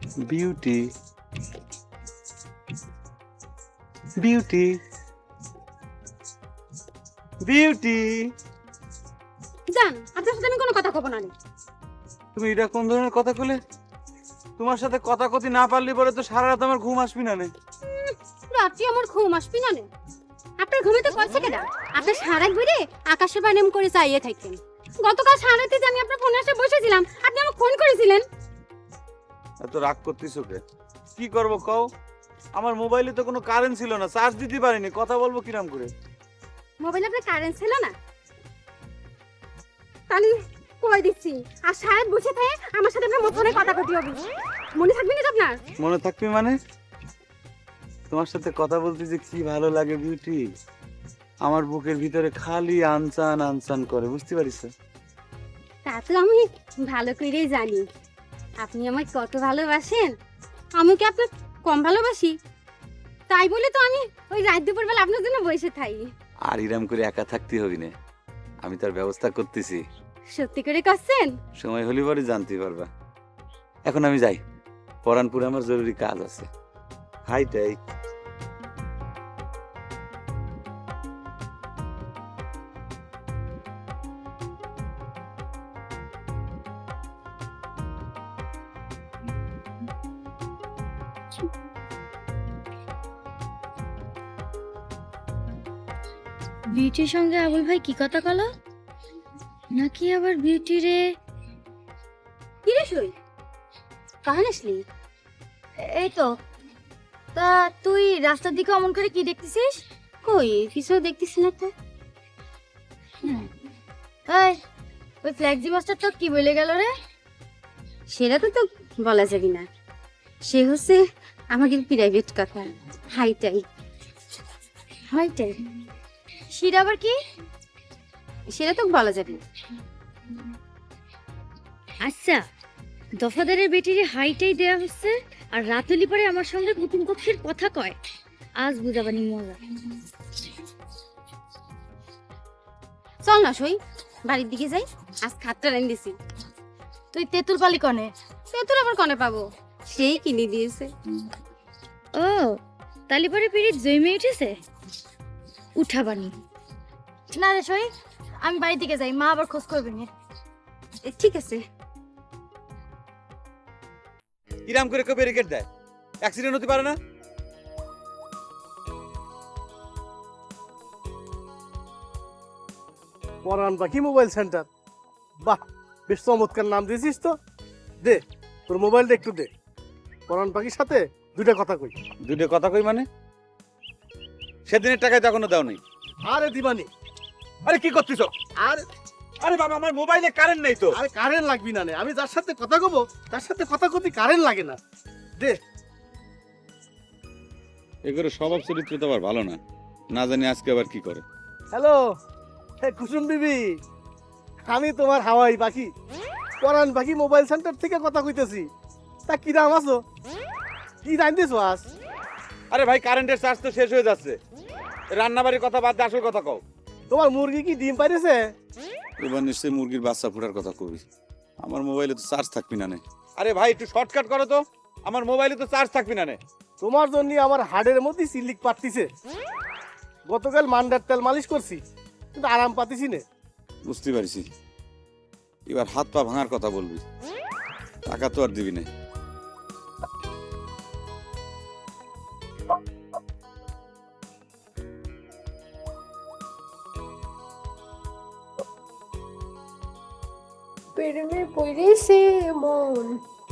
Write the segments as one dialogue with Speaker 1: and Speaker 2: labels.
Speaker 1: Beauty beauty beauty
Speaker 2: জান, আপনার সাথে আমি কোনো কথা কব না।
Speaker 1: তুমি এটা কোন ধরনের কথা কইলে? তোমার সাথে কথা কতি না পারলি পরে তো সারা রাত আমার ঘুম আসবি না নে।
Speaker 2: রাত্রি আমার ঘুম আসবি না নে। আপনার ঘুমে তো কইছে কেডা? আপনি সারা ঘুরে আকাশে বানেম করে চাইয়ে থাকেন। গতকাল সারাতে যে আমি আপনার ফোনে এসে বসেছিলাম, আপনি আমাকে ফোন করেছিলেন।
Speaker 1: এত রাগ করতেছ কে? কি করব কও? আমার মোবাইলে তো কোনো কারেন্ট ছিল না, চার্জ দিতে পারিনি, কথা বলবো কিরাম করে?
Speaker 2: মোবাইলে আপনার কারেন্ট ছিল না? তাহলে কই দিচ্ছি। আর সারাত বসে থাকে আমার সাথে আপনার ফোনে কথা কইতে হবে। মনে থাকবে না তো আপনার?
Speaker 1: মনে থাকবি মানে? তোমার সাথে কথা বলতে যে কি ভালো লাগে বিউটি, আমার বুকের ভিতরে খালি আনচান আনচান করে, বুঝতে পারিস?
Speaker 2: তা তো আমি ভালো করেই জানি আপনি আমায় কত ভালোবাসেন। আমি কি আপনার কম ভালোবাসি? তাই বলে তো আমি ওই রাত দুপুর বেলা আপনার জন্য বসে থাকি।
Speaker 1: আর ইরাম করে একা থাকতে হবি না, আমি তার ব্যবস্থা করতেছি।
Speaker 2: সত্যি করে করছেন?
Speaker 1: সময় হলে পরে জানতে পারবা। এখন আমি যাই, পরানপুরে আমার জরুরি কাজ আছে। হাইটাই।
Speaker 3: বিউটির সঙ্গে আবুল ভাই কি কথা কলো? নাকি আবার বিউটি রে?
Speaker 2: কি রে সই, কাহান আসলি?
Speaker 3: এই তো। তা তুই রাস্তার দিকে অমন করে কি দেখতেছিস?
Speaker 2: কই কিছু দেখতেছি না তো।
Speaker 3: এই, ওই ফ্ল্যাক্সি মাস্টার তো কি বলে গেল রে?
Speaker 2: সেটা তো বলা যাবে না, সে হচ্ছে আমাদের প্রাইভেট কথা। হাইটাই
Speaker 3: হাইটাই? সেটা আবার কি?
Speaker 2: সেটা তো বলা যাবে না।
Speaker 3: আচ্ছা, দফাদারের বেটিরে হাইটাই দেয়া হচ্ছে আর রাতুলি পরে আমার সঙ্গে কুটুম কক্ষের কথা কয়। আজ বুঝাবানি মজা।
Speaker 2: চল না সই, বাড়ির দিকে যাই। আজ খাটটা রেন দিছি।
Speaker 3: তুই তেঁতুল পালি কনে?
Speaker 2: তেতুল আবার কনে পাবো? সেই কিনে দিয়েছে।
Speaker 3: ও, তালি পরে পিরিত জমে উঠেছে। উঠাবানি না রে সই, আমি বাড়ির দিকে যাই, মা আবার খোঁজ করবে না।
Speaker 2: ঠিক আছে।
Speaker 1: ইরাম করে কেউ ব্যারিকেড দেয়, অ্যাক্সিডেন্ট হতে পারে না?
Speaker 4: পরান পাখি মোবাইল সেন্টার, বাহ বেশ চমৎকার নাম দিয়েছিস তো। দে তোর মোবাইলটা একটু দে, পরান পাখির সাথে দুইটা কথা কই।
Speaker 1: দুটো কথা কই মানে? সেদিনের টাকায় তো এখনো দাও নাই।
Speaker 4: আরে দিবানি,
Speaker 1: আরে কি করতেছ?
Speaker 4: আরে
Speaker 1: আরে বাবা, আমার মোবাইলে কারেন্ট নেই তো।
Speaker 4: আরে কারেন্ট লাগবি না নে, আমি যার সাথে কথা কব তার সাথে কথা কতি কারেন্ট লাগে না। দে।
Speaker 1: এগুলো স্বভাব চরিত্র তো আবার ভালো না, না জানি আজকে আবার কি করে।
Speaker 4: হ্যালো কুসুম বিবি, আমি তোমার হাওয়াই পাখি, পরান পাখি মোবাইল সেন্টার থেকে কথা কইতেছি। তা কি দাম আছো, কি জানতেছো আজ?
Speaker 1: আরে ভাই, কারেন্টের চার্জ তো শেষ হয়ে যাচ্ছে, রান্নাবাড়ির কথা বাদ দিয়ে আসল কথা কও।
Speaker 4: তোমার মুরগি কি ডিম পাইছে?
Speaker 1: এবার নিশ্চয়ই মুরগির বাচ্চা ফোটার কথা কবি। আমার মোবাইলে তো চার্জ থাকবি না নে। আরে ভাই একটু শর্টকাট করো তো, আমার মোবাইলে তো চার্জ থাকবি না নে।
Speaker 4: তোমার জন্য আমার হাড়ের মধ্যে সিলিক পাতিছে। গতকাল মান্ডার তেল মালিশ করছি, কিন্তু আরাম পাতিছি না।
Speaker 1: বুঝতে পারছি, এবার হাত পা ভাঙার কথা বলবি, টাকা তো আর দিবি না।
Speaker 5: প্রেমে পড়েছে মন।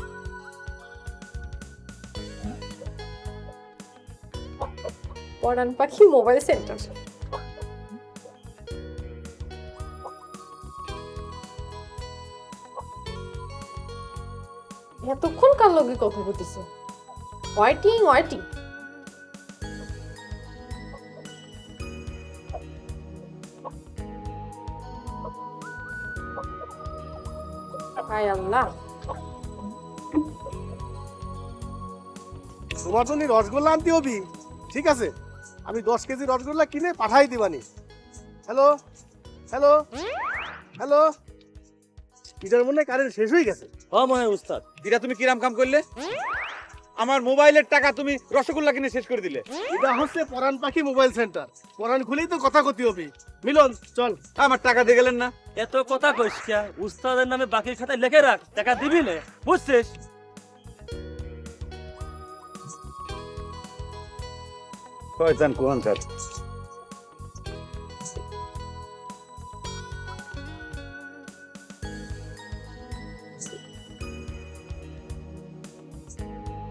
Speaker 5: পরান পাখি মোবাইল সেন্টার। এতক্ষণ কার লগে কথা বলতেছে? Waiting waiting. হায় আল্লাহ,
Speaker 4: তোমার জন্য রসগোল্লা আনতে হবি, ঠিক আছে? আমি 10 কেজি রসগোল্লা কিনে পাঠাই দিবানি। হ্যালো হ্যালো হ্যালো, এটার মনে কারেন্ট শেষ হয়ে গেছে।
Speaker 1: হ্যাঁ মনে উস্তাদ, এটা তুমি কিরাম কাম করলে? আমার মোবাইলের টাকা তুমি রসগোল্লা কিনে শেষ করে দিলে।
Speaker 4: এটা হচ্ছে পরাণ পাখি মোবাইল সেন্টার, পরাণ খুলেই তো কথা কতি হবে। মিলন চল।
Speaker 1: আমার টাকা দিয়ে গেলেন না।
Speaker 6: এত কথা কইস কে? উস্তাদের নামে বাকির খাতায় লিখে রাখ, টাকা দিবি না, বুঝছিস?
Speaker 1: শয়তান কোহানকার।